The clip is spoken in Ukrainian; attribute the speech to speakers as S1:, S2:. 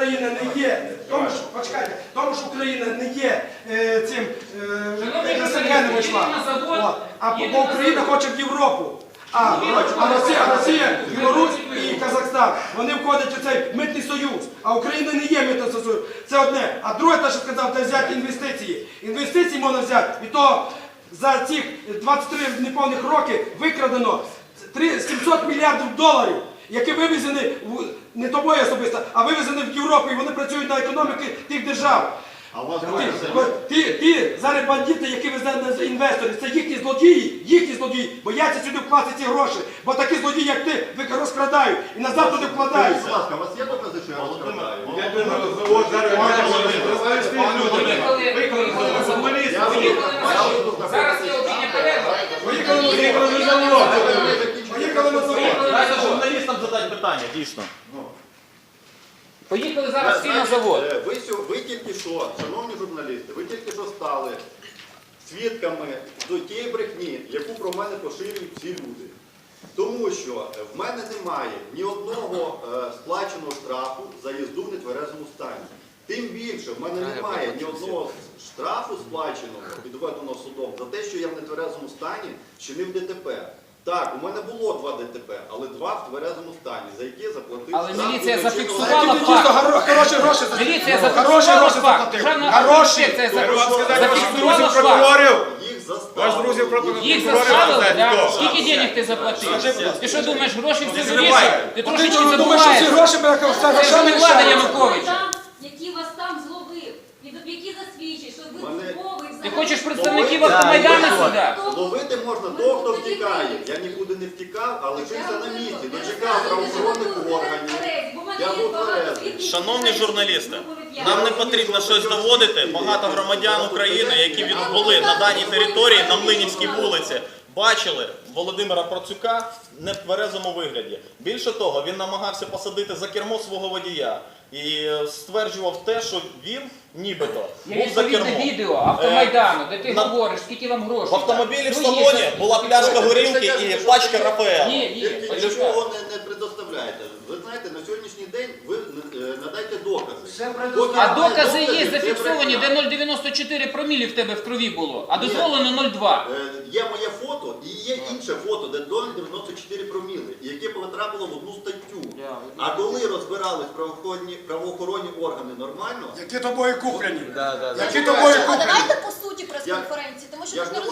S1: Україна не є, тому що, почекайте, тому що Україна не є цим СНГ не йшла. А Україна хоче в Європу. А Росія, Білорусь і Казахстан, вони входять у цей митний союз. А Україна не є митним союзом. Це одне. А друге, те, що сказав, це взяти інвестиції. Інвестиції можна взяти. І то за цих 23 неповних роки викрадено 700 мільярдів доларів, які вивезені, не тобою особисто, а вивезені в Європу. І вони працюють на економіки тих держав. Ті зараз бандити, які везуть інвесторів, це їхні злодії, бояться сюди вкласти ці гроші, бо такі злодії, як ти, розкрадають і назад туди вкладають.
S2: Будь ласка, у вас є докази, що я розкрадаю?
S3: Я думаю, от зараз
S4: Зараз є обідня перерва.
S1: Поїхали на завод.
S5: Дайте журналістам задати питання, дійсно.
S4: Поїхали зараз всі на завод.
S2: Ви тільки що, шановні журналісти, ви тільки що стали свідками до тієї брехні, яку про мене поширюють всі люди. Тому що в мене немає ні одного сплаченого штрафу за їзду в нетверезому стані. Тим більше, в мене немає ні одного штрафу сплаченого, підведеного судом, за те, що я в нетверезому стані чинив ДТП. Так, у мене було 2 ДТП, але 2 в тверезому стані, за які заплатив штраф.
S4: Але міліція
S1: Ти
S4: зафіксувала
S1: дійсно
S4: факт.
S1: хороші гроші
S4: Міліція
S1: заплатив.
S4: зафіксувала факт. Державна адміністрація зафіксувала факт.
S2: Їх заставили.
S4: Їх заставили, да? Скільки денег ти заплатив? Ти що думаєш, гроші все вирішують? Ти трошечки
S1: Ти думаєш, що ці
S4: забуваєш.
S1: гроші
S4: Це ж не влада Януковича.
S6: Які вас там зловив, які засвідчить, що ви
S2: Мене-
S6: службовий
S4: Ти
S6: взагалі.
S4: хочеш представників Автомайдану сюди?
S2: Ловити можна того, хто втікає. Я нікуди не втікав, а лишився на місці. Дочекав правоохоронних органів. Я був тверезий.
S5: Шановні журналісти, нам не потрібно щось доводити. Багато громадян України, які були на даній території, на Млинівській вулиці, бачили Володимира Процюка в нетверезому вигляді. Більше того, він намагався посадити за кермо свого водія і стверджував те, що він нібито
S4: Є
S5: був за
S4: відповідне
S5: кермом.
S4: відео Автомайдану, де ти
S5: на-
S4: говориш, скільки вам грошей.
S5: В автомобілі в
S4: Ну,
S5: салоні
S4: є.
S5: була пляшка горілки і пачка Рафаела.
S4: Є,
S2: Тільки
S4: почекай.
S2: нічого не предоставляєте. Ви знаєте, на сьогоднішній день ви надайте докази.
S4: А докази є зафіксовані, де 0,94 промілі в тебе в крові було, а дозволено 0,2.
S2: Є моє фото і є інше фото, де 0,94 проміли, яке потрапило в одну статтю. А коли розбирались правоохоронні органи нормально,
S1: Які тобою куплені? Які
S6: Які
S1: тобою
S6: А
S1: куплені?
S6: давайте по суті прес-конференції, тому що
S2: Я
S6: ми ж
S2: ж
S6: не
S2: не